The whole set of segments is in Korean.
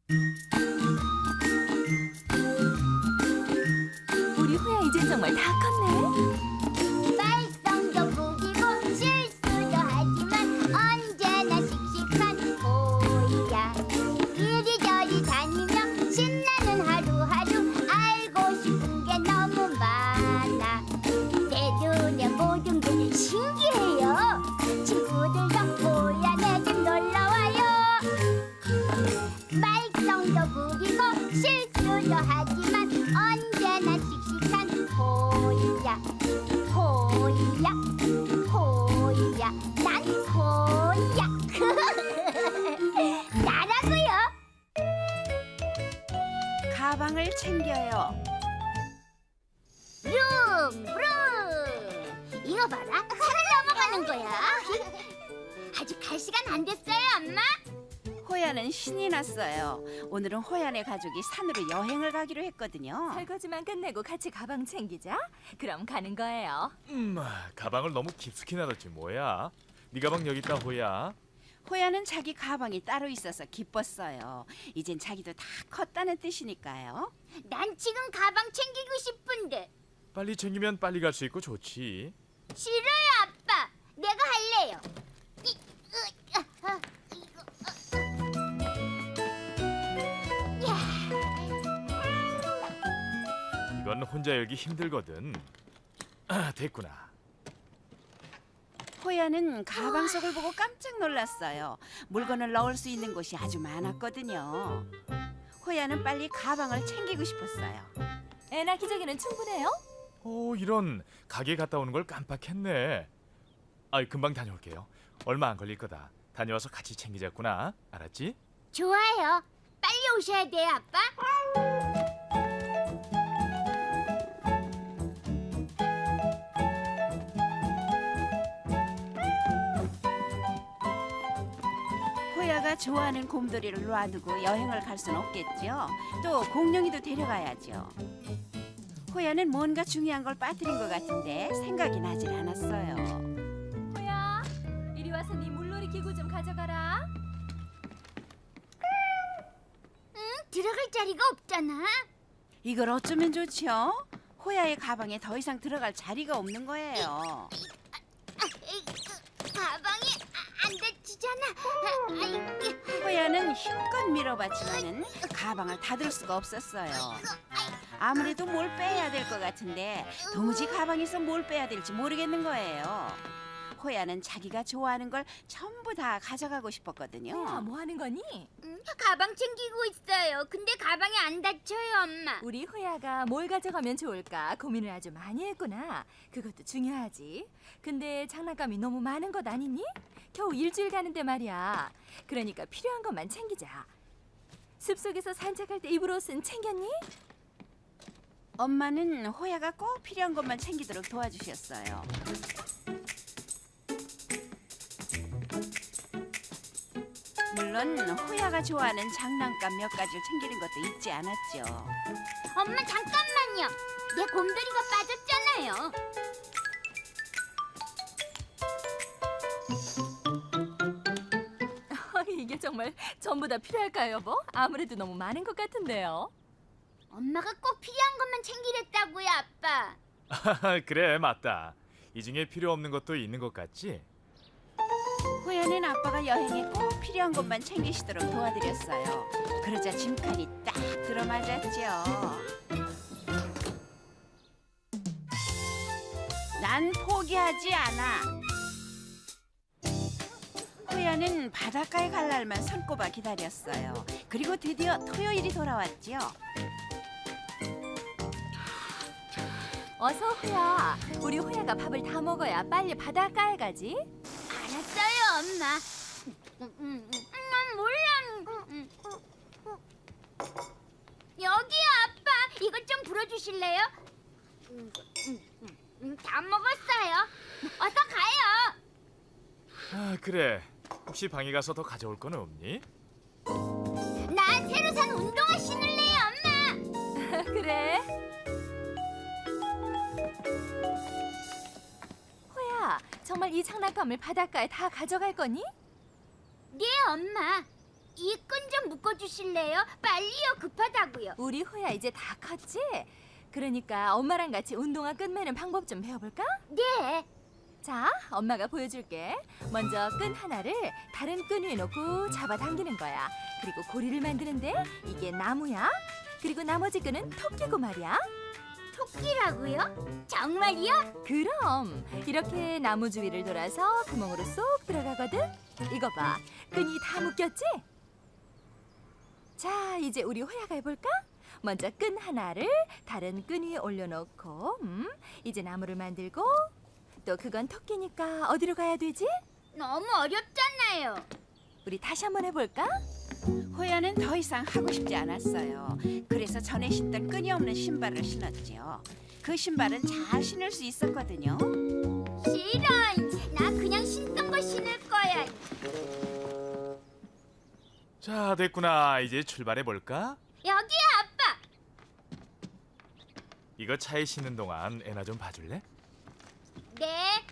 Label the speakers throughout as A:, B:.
A: 우리 호야 이젠 정말 다 컸네.
B: 말썽도 부리고 실수도 하지만 언제나 씩씩한 호야. 이리저리 다니며 신나는 하루하루. 알고 싶은 게 너무 많아. 내 눈에 모든 게 신기해요. 친구들도 호야 내 집 놀러와요. 말썽도 부리고 실수도 하지만 언제나 씩씩한 호야. 호야, 호야, 난 호야. 나라고요.
C: 가방을 챙겨요.
B: 룸, 룸. 이거 봐라, 산을 넘어가는 거야. 아직 갈 시간 안 됐어요, 엄마.
C: 호야는 신이 났어요. 오늘은 호야네 가족이 산으로 여행을 가기로 했거든요.
A: 설거지만 끝내고 같이 가방 챙기자. 그럼 가는 거예요.
D: 가방을 너무 깊숙이 놔뒀지 뭐야. 네 가방 여기 있다 호야.
C: 호야는 자기 가방이 따로 있어서 기뻤어요. 이젠 자기도 다 컸다는 뜻이니까요.
B: 난 지금 가방 챙기고 싶은데.
D: 빨리 챙기면 빨리 갈 수 있고 좋지.
B: 싫어요, 아빠. 내가 할래요. 이거,
D: 이건 혼자 열기 힘들거든. 됐구나.
C: 호야는 가방 속을 보고 깜짝 놀랐어요. 물건을 넣을 수 있는 곳이 아주 많았거든요. 호야는 빨리 가방을 챙기고 싶었어요.
A: 애나 기저귀는 충분해요?
D: 이런 가게 갔다 오는 걸 깜빡했네. 금방 다녀올게요. 얼마 안 걸릴 거다. 다녀와서 같이 챙기자꾸나. 알았지?
B: 좋아요. 빨리 오셔야 돼요, 아빠.
C: 호야가 좋아하는 곰돌이를 놔두고 여행을 갈 순 없겠죠. 또 공룡이도 데려가야죠. 호야는 뭔가 중요한 걸 빠뜨린 것 같은데 생각이 나질 않았어요.
A: 호야, 이리 와서 네 물놀이 기구 좀 가져가라.
B: 들어갈 자리가 없잖아.
C: 이걸 어쩌면 좋죠? 호야의 가방에 더 이상 들어갈 자리가 없는 거예요.
B: 가방이 안 닫히잖아.
C: 호야는 힘껏 밀어봤지만은 가방을 닫을 수가 없었어요. 아무래도 뭘 빼야 될 것 같은데 도무지 가방에서 뭘 빼야 될지 모르겠는 거예요. 호야는 자기가 좋아하는 걸 전부 다 가져가고 싶었거든요.
A: 호야, 뭐 하는 거니?
B: 가방 챙기고 있어요. 근데 가방이 안 닫혀요, 엄마.
A: 우리 호야가 뭘 가져가면 좋을까 고민을 아주 많이 했구나. 그것도 중요하지. 근데 장난감이 너무 많은 것 아니니? 겨우 일주일 가는데 말이야. 그러니까 필요한 것만 챙기자. 숲속에서 산책할 때 입을 옷은 챙겼니?
C: 엄마는 호야가 꼭 필요한 것만 챙기도록 도와주셨어요. 물론 호야가 좋아하는 장난감 몇 가지를 챙기는 것도 잊지 않았죠.
B: 엄마 잠깐만요. 내 곰돌이가 빠졌잖아요.
A: 이게 정말 전부 다 필요할까요, 여보? 아무래도 너무 많은 것 같은데요.
B: 엄마가 꼭 필요한 것만 챙기랬다고요, 아빠.
D: 그래 맞다. 이 중에 필요 없는 것도 있는 것 같지?
C: 호야는 아빠가 여행에 꼭 필요한 것만 챙기시도록 도와드렸어요. 그러자 짐칸이 딱 들어맞았죠. 난 포기하지 않아. 호야는 바닷가에 갈 날만 손꼽아 기다렸어요. 그리고 드디어 토요일이 돌아왔죠.
A: 어서 호야. 우리 호야가 밥을 다 먹어야 빨리 바닷가에 가지.
B: 알았어요, 엄마. 몰라. 여기요, 아빠. 이것 좀 불어주실래요? 다 먹었어요. 어서 가요.
D: 그래. 혹시 방에 가서 더 가져올 건 없니?
B: 나 새로 산 운동화 신을래요, 엄마.
A: 그래. 호야, 정말 이 장난감을 바닷가에 다 가져갈 거니?
B: 네, 엄마. 이 끈 좀 묶어주실래요? 빨리요, 급하다고요.
A: 우리 호야 이제 다 컸지? 그러니까 엄마랑 같이 운동화 끈 매는 방법 좀 배워볼까?
B: 네.
A: 자, 엄마가 보여줄게. 먼저 끈 하나를 다른 끈 위에 놓고 잡아당기는 거야. 그리고 고리를 만드는데 이게 나무야. 그리고 나머지 끈은 토끼고 말이야.
B: 토끼라고요? 정말요?
A: 그럼 이렇게 나무 주위를 돌아서 구멍으로 쏙 들어가거든. 이거 봐, 끈이 다 묶였지? 자, 이제 우리 호야가 해볼까? 먼저 끈 하나를 다른 끈 위에 올려놓고, 이제 나무를 만들고, 또 그건 토끼니까 어디로 가야 되지?
B: 너무 어렵잖아요.
A: 우리 다시 한번 해볼까?
C: 호야는 더 이상 하고 싶지 않았어요. 그래서 전에 신던 끈이 없는 신발을 신었지요. 그 신발은 잘 신을 수 있었거든요.
B: 싫어. 나 그냥 신던 거 신을 거야.
D: 자, 됐구나. 이제 출발해 볼까?
B: 여기야, 아빠.
D: 이거 차에 싣는 동안 애나 좀 봐줄래?
B: 네.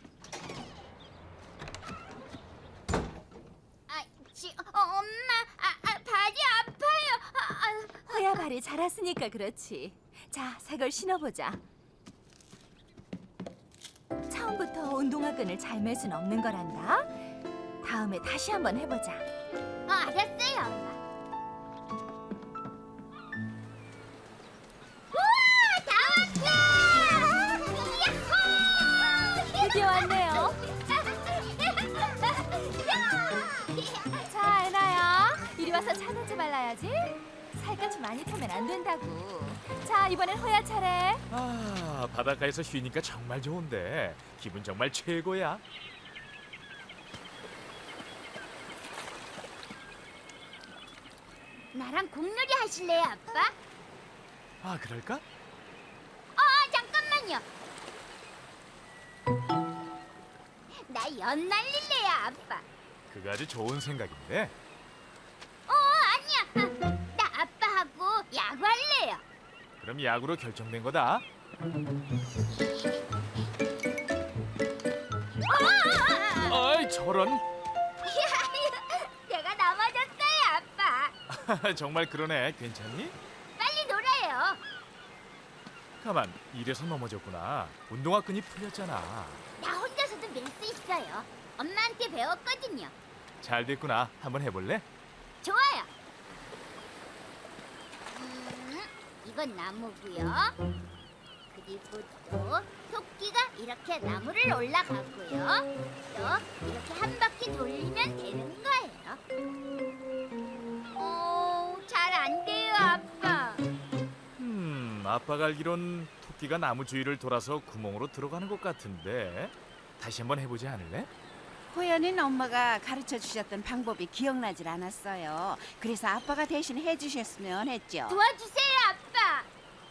B: 엄마, 발이 아파요.
A: 호야 발이 자랐으니까 그렇지. 자, 새 걸 신어보자. 처음부터 운동화 끈을 잘 맬 순 없는 거란다. 다음에 다시 한번 해보자.
B: 알았어요, 엄마. 우와, 다 왔다!
A: 드디어 왔네요. 자, 애나야, 이리 와서 차는지 말라야지. 살갗이 많이 타면 안 된다고. 자, 이번엔 호야 차례.
D: 아, 바닷가에서 쉬니까 정말 좋은데 기분 정말 최고야.
B: 나랑 공놀이 하실래요, 아빠?
D: 아, 그럴까?
B: 잠깐만요. 나 연 날릴래요, 아빠.
D: 그거 아주 좋은 생각인데.
B: 아니야. 나 아빠하고 야구할래요.
D: 그럼 야구로 결정된 거다. 아이, 저런.
B: 내가 넘어졌어요, 아빠.
D: 정말 그러네. 괜찮니?
B: 빨리 놀아요.
D: 가만, 이래서 넘어졌구나. 운동화 끈이 풀렸잖아.
B: 나 혼자서도 밀 수 있어요. 엄마한테 배웠거든요.
D: 잘 됐구나. 한번 해볼래?
B: 좋아요. 이건 나무고요. 그리고 또 토끼가 이렇게 나무를 올라가고요. 또 이렇게 한 바퀴 돌리면 되는 거예요. 잘 안 돼요, 아빠.
D: 아빠가 알기론 토끼가 나무 주위를 돌아서 구멍으로 들어가는 것 같은데. 다시 한번 해보지 않을래?
C: 호야는 엄마가 가르쳐 주셨던 방법이 기억나질 않았어요. 그래서 아빠가 대신 해주셨으면 했죠.
B: 도와주세요, 아빠.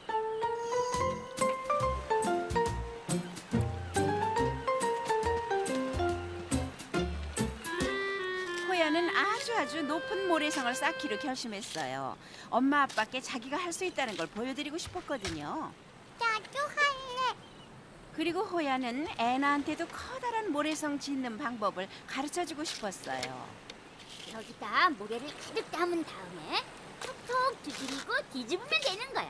C: 호야는 아주 높은 모래성을 쌓기로 결심했어요. 엄마 아빠께 자기가 할 수 있다는 걸 보여드리고 싶었거든요.
B: 나도 할래.
C: 그리고 호야는 애나한테도 커다란 모래성 짓는 방법을 가르쳐주고 싶었어요.
B: 여기다 모래를 가득 담은 다음에 톡톡 두드리고 뒤집으면 되는 거야.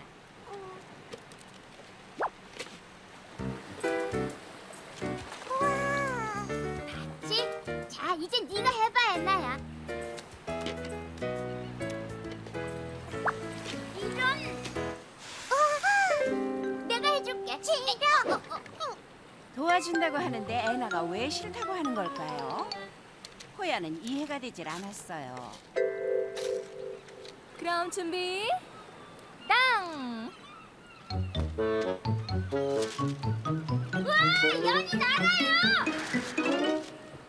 B: 봤지? 자, 이제 네가 해봐, 애나야. 이런. 내가 해줄게. 싫어.
C: 도와준다고 하는데 애나가 왜 싫다고 하는 걸까요? 호야는 이해가 되질 않았어요.
A: 그럼 준비, 땅!
B: 우와, 연이 날아요.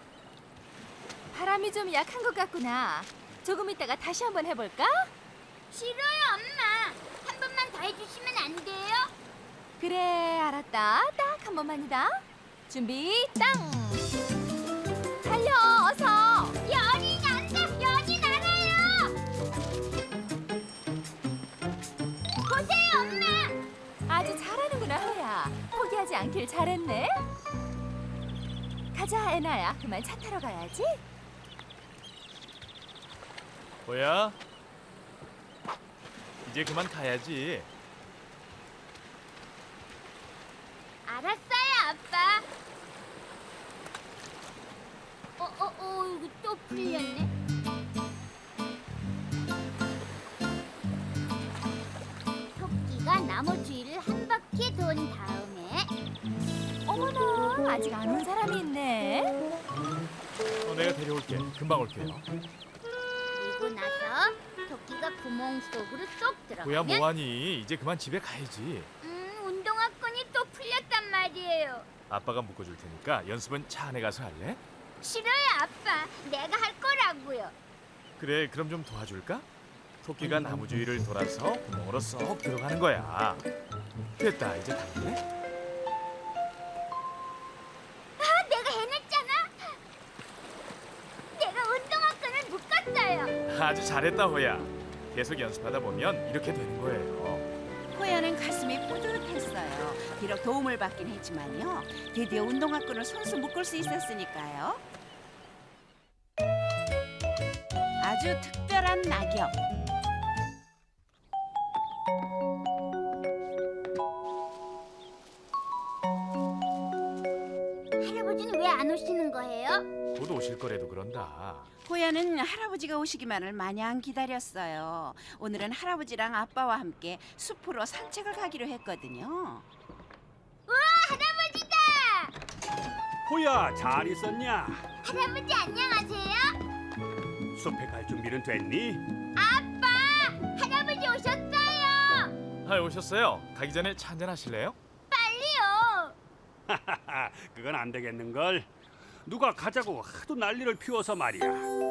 A: 바람이 좀 약한 것 같구나. 조금 있다가 다시 한번 해볼까?
B: 싫어요, 엄마. 한 번만 더 해주시면 안 돼요?
A: 그래, 알았다. 딱 한 번만이다. 준비, 땅! 달려, 어서!
B: 연이 난다. 연이 날아요. 보세요, 엄마.
A: 아주 잘하는구나, 호야. 포기하지 않길 잘했네. 가자, 애나야. 그만 차 타러 가야지.
D: 호야, 이제 그만 가야지.
B: 알았어요, 아빠. 이거 또 풀렸네. 토끼가 나무 주위를 한 바퀴 돈 다음에
A: 어머나, 아직 안 온 사람이 있네.
D: 내가 데려올게. 금방 올게요.
B: 그리고 나서 토끼가 구멍 속으로 쏙
D: 호야,
B: 들어가면
D: 뭐하니? 이제 그만 집에 가야지.
B: 운동화끈이 또 풀렸단 말이에요.
D: 아빠가 묶어줄 테니까 연습은 차 안에 가서 할래?
B: 싫어요, 아빠. 내가 할 거라고요.
D: 그래, 그럼 좀 도와줄까? 토끼가 나무 주위를 돌아서 구멍으로 쏙 들어가는 거야. 됐다, 이제 달래?
B: 내가 해냈잖아. 내가 운동화끈을 묶었어요.
D: 아주 잘했다, 호야. 계속 연습하다 보면 이렇게 되는 거예요.
C: 호야는 가슴이 뿌듯했어요. 비록 도움을 받긴 했지만요. 드디어 운동화끈을 손수 묶을 수 있었으니까요. 아주 특별한 낙엽.
B: 할아버지는 왜 안 오시는 거예요?
D: 곧 오실 거래도 그런다.
C: 호야는 할아버지가 오시기만을 마냥 기다렸어요. 오늘은 할아버지랑 아빠와 함께 숲으로 산책을 가기로 했거든요.
B: 할아버지다!
E: 호야, 잘 있었냐?
B: 할아버지 안녕하세요.
E: 숲에 갈 준비는 됐니?
B: 아빠! 할아버지 오셨어요.
D: 아, 오셨어요. 가기 전에 차 한잔 하실래요?
B: 빨리요.
E: 하하하, 그건 안 되겠는걸. 누가 가자고 하도 난리를 피워서 말이야.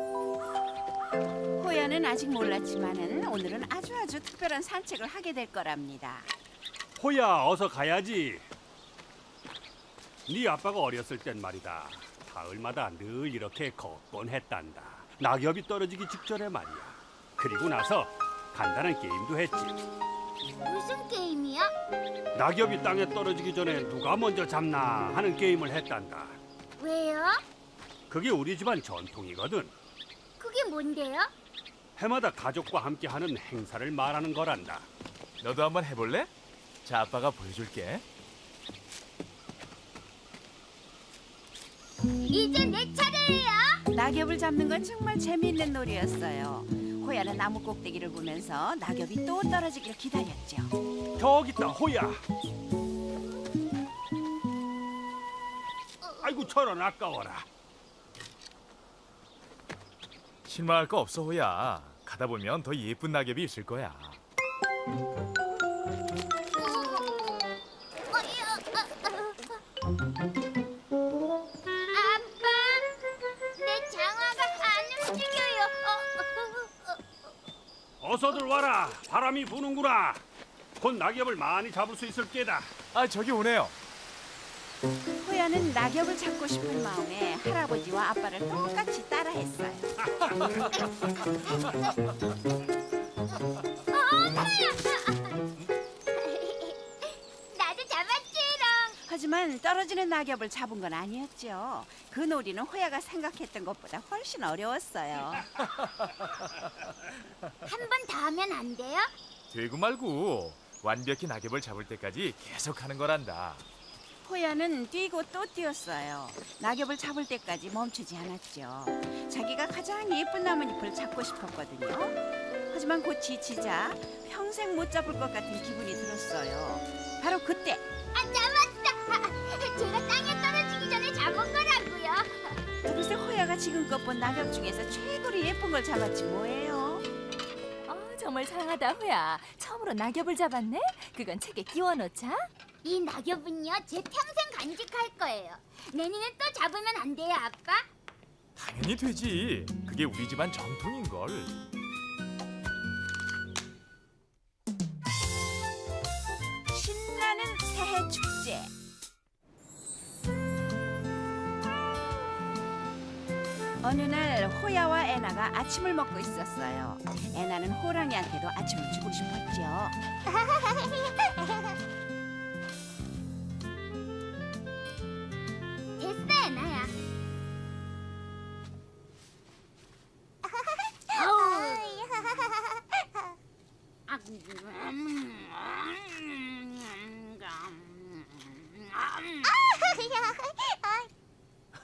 C: 호야는 아직 몰랐지만은 오늘은 아주 특별한 산책을 하게 될 거랍니다.
E: 호야, 어서 가야지. 네 아빠가 어렸을 땐 말이다. 가을마다 늘 이렇게 걷곤 했단다. 낙엽이 떨어지기 직전에 말이야. 그리고 나서 간단한 게임도 했지.
B: 무슨 게임이요?
E: 낙엽이 땅에 떨어지기 전에 누가 먼저 잡나 하는 게임을 했단다.
B: 왜요?
E: 그게 우리 집안 전통이거든.
B: 그게 뭔데요?
E: 해마다 가족과 함께 하는 행사를 말하는 거란다.
D: 너도 한번 해볼래? 자, 아빠가 보여줄게.
B: 이제 내 차례예요.
C: 낙엽을 잡는 건 정말 재미있는 놀이였어요. 호야는 나무 꼭대기를 보면서 낙엽이 또 떨어지길 기다렸죠.
E: 저기 있다, 호야. 아이고, 저런 아까워라.
D: 실망할 거 없어, 호야. 가다 보면 더 예쁜 낙엽이 있을 거야.
B: 아빠, 내 장화가 안 움직여요.
E: 어서들 와라. 바람이 부는구나. 곧 낙엽을 많이 잡을 수 있을 게다.
D: 아, 저기 오네요.
C: 호야는 낙엽을 잡고 싶은 마음에 할아버지와 아빠를 똑같이 따라했어요.
B: 나도 잡았지롱.
C: 하지만 떨어지는 낙엽을 잡은 건 아니었죠. 그 놀이는 호야가 생각했던 것보다 훨씬 어려웠어요.
B: 한 번 더 하면 안 돼요?
D: 되고 말고 완벽히 낙엽을 잡을 때까지 계속 하는 거란다.
C: 호야는 뛰고 또 뛰었어요. 낙엽을 잡을 때까지 멈추지 않았죠. 자기가 가장 예쁜 나뭇잎을 잡고 싶었거든요. 하지만 곧 지치자 평생 못 잡을 것 같은 기분이 들었어요. 바로 그때
B: 잡았다. 제가 땅에 떨어지기 전에 잡은 거라고요.
C: 글쎄 호야가 지금껏 본 낙엽 중에서 최고로 예쁜 걸 잡았지 뭐예요.
A: 정말 장하다, 호야. 처음으로 낙엽을 잡았네? 그건 책에 끼워 넣자.
B: 이 낙엽은요, 제 평생 간직할 거예요. 내년에 또 잡으면 안 돼요, 아빠?
D: 당연히 되지. 그게 우리 집안 전통인걸.
C: 신나는 새해 축제. 어느 날 호야와 애나가 아침을 먹고 있었어요. 애나는 호랑이한테도 아침을 주고 싶었죠.
B: 됐어, 나야. 어우,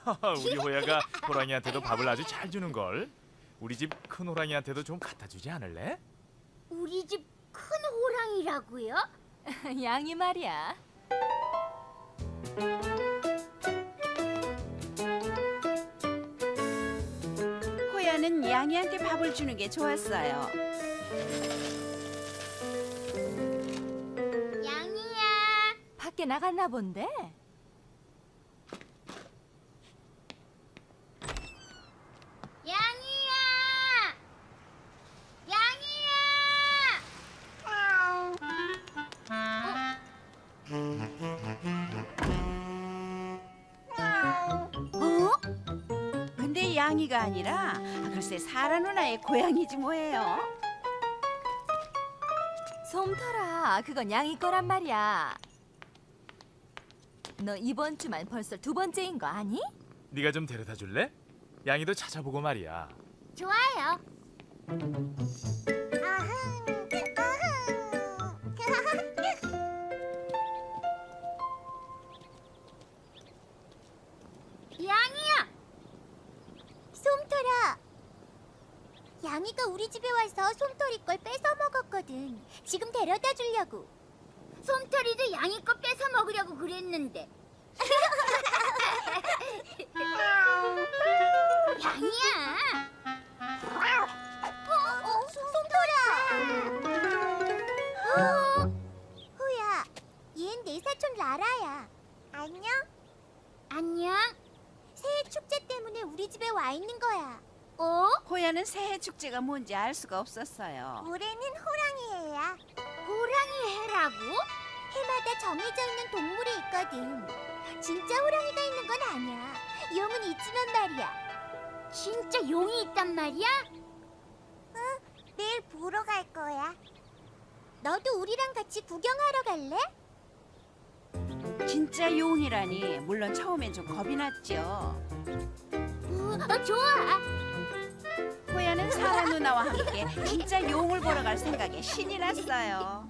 D: 우리 호야가 호랑이한테도 밥을 아주 잘 주는 걸. 우리 집 큰 호랑이한테도 좀 갖다 주지 않을래?
B: 우리 집 큰 호랑이라고요?
A: 양이 말이야.
C: 호야는 양이한테 밥을 주는 게 좋았어요.
B: 양이야.
A: 밖에 나갔나 본데.
B: 양이야. 어?
C: 근데 양이가 아니라 글쎄 사라 누나의 고양이지 뭐예요.
A: 솜털아, 그건 양이 거란 말이야. 너 이번 주만 벌써 두 번째인 거 아니?
D: 네가 좀 데려다 줄래? 양이도 찾아보고 말이야.
B: 좋아요. 양이야. 솜털아. 양이가 우리 집에 와서 솜털이 걸 뺏어 먹었거든. 지금 데려다 주려고. 솜털이도 양이 거 뺏어 먹으려고 그랬는데. 양이야. 솜털아. 호야, 얘는 내 사촌 라라야. 안녕. 안녕. 새해 축제 때문에 우리 집에 와 있는 거야.
C: 호야는 새해 축제가 뭔지 알 수가 없었어요.
B: 올해는 호랑이 해야. 호랑이 해라고? 해마다 정해져 있는 동물이 있거든. 진짜 호랑이가 있는 건 아니야. 용은 있지만 말이야. 진짜 용이 있단 말이야? 응, 내일 보러 갈 거야. 너도 우리랑 같이 구경하러 갈래?
C: 진짜 용이라니 물론 처음엔 좀 겁이 났죠.
B: 좋아.
C: 호야는 사라 누나와 함께 진짜 용을 보러 갈 생각에 신이 났어요.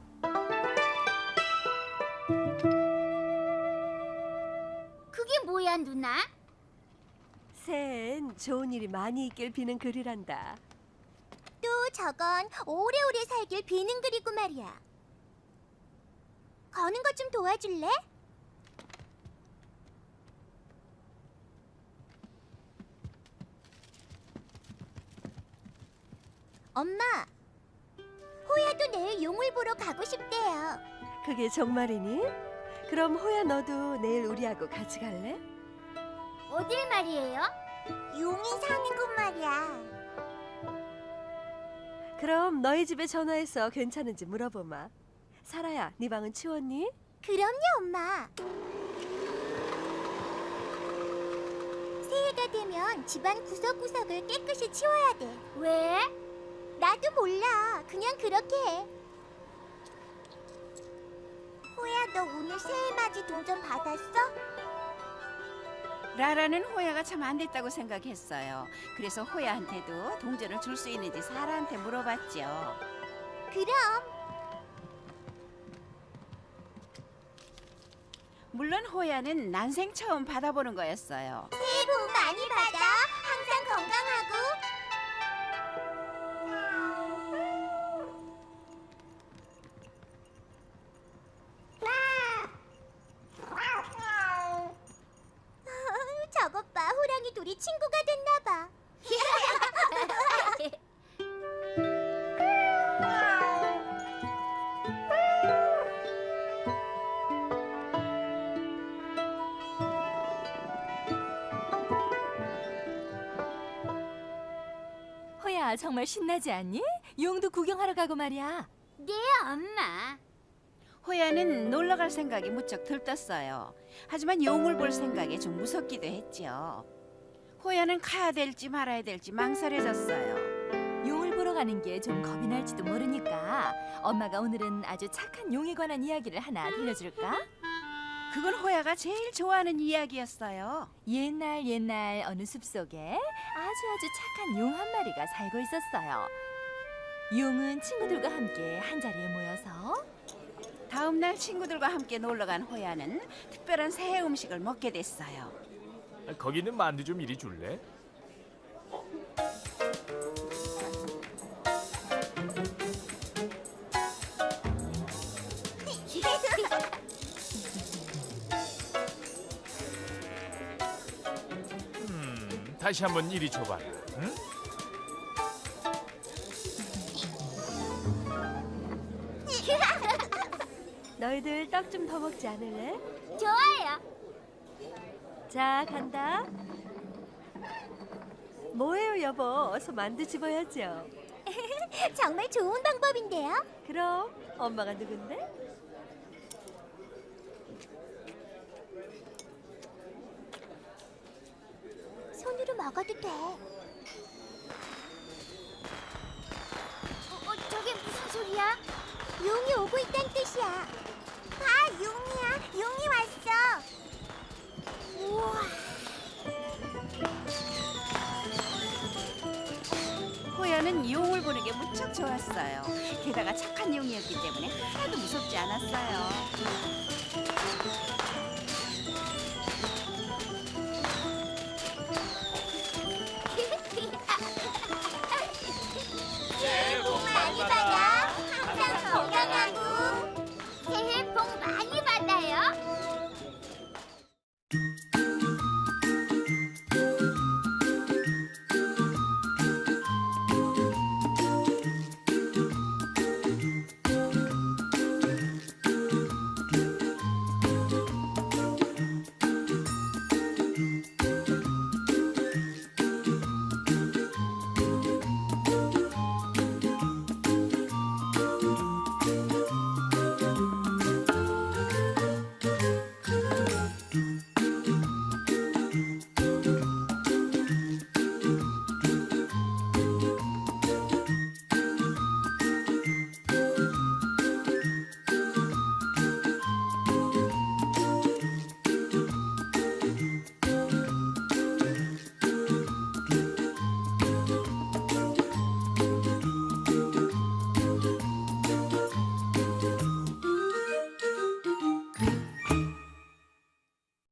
B: 그게 뭐야, 누나?
F: 새해엔 좋은 일이 많이 있길 비는 글이란다.
B: 또 저건 오래오래 살길 비는 글이고 말이야. 거는 것 좀 도와줄래? 엄마, 호야도 내일 용을 보러 가고 싶대요.
F: 그게 정말이니? 그럼 호야 너도 내일 우리하고 같이 갈래?
B: 어딜 말이에요? 용이 사는 곳 말이야.
F: 그럼 너희 집에 전화해서 괜찮은지 물어보마. 사라야, 네 방은 치웠니?
B: 그럼요, 엄마. 새해가 되면 집안 구석구석을 깨끗이 치워야 돼. 왜? 나도 몰라. 그냥 그렇게 해. 호야, 너 오늘 새해 맞이 동전 받았어?
C: 라라는 호야가 참 안 됐다고 생각했어요. 그래서 호야한테도 동전을 줄 수 있는지 사라한테 물어봤죠.
B: 그럼.
C: 물론 호야는 난생 처음 받아보는 거였어요.
B: 새해 복 많이 받아. 항상 건강하고. 저것 봐, 호랑이 둘이 친구가 됐나 봐.
A: 호야, 정말 신나지 않니? 용도 구경하러 가고 말이야.
B: 네, 엄마.
C: 호야는 놀러 갈 생각이 무척 들떴어요. 하지만 용을 볼 생각에 좀 무섭기도 했죠. 호야는 가야 될지 말아야 될지 망설여졌어요.
A: 용을 보러 가는 게 좀 겁이 날지도 모르니까 엄마가 오늘은 아주 착한 용에 관한 이야기를 하나 들려줄까?
C: 그건 호야가 제일 좋아하는 이야기였어요.
A: 옛날 어느 숲속에 아주 착한 용 한 마리가 살고 있었어요. 용은 친구들과 함께 한자리에 모여서
C: 다음 날 친구들과 함께 놀러 간 호야는 특별한 새해 음식을 먹게 됐어요.
D: 거기 있는 만두 좀 이리 줄래? 다시 한번 이리 줘봐라. 응?
F: 너희들 떡 좀 더 먹지 않을래?
B: 좋아요.
F: 자, 간다. 뭐해요, 여보? 어서 만두 집어야죠.
B: 정말 좋은 방법인데요.
F: 그럼 엄마가 누군데?
B: 손으로 먹어도 돼. 저게 무슨 소리야? 용이 오고 있다는 뜻이야. 봐, 용이야. 용이 왔어. 우와.
C: 호야는 용을 보는 게 무척 좋았어요. 게다가 착한 용이었기 때문에 하나도 무섭지 않았어요.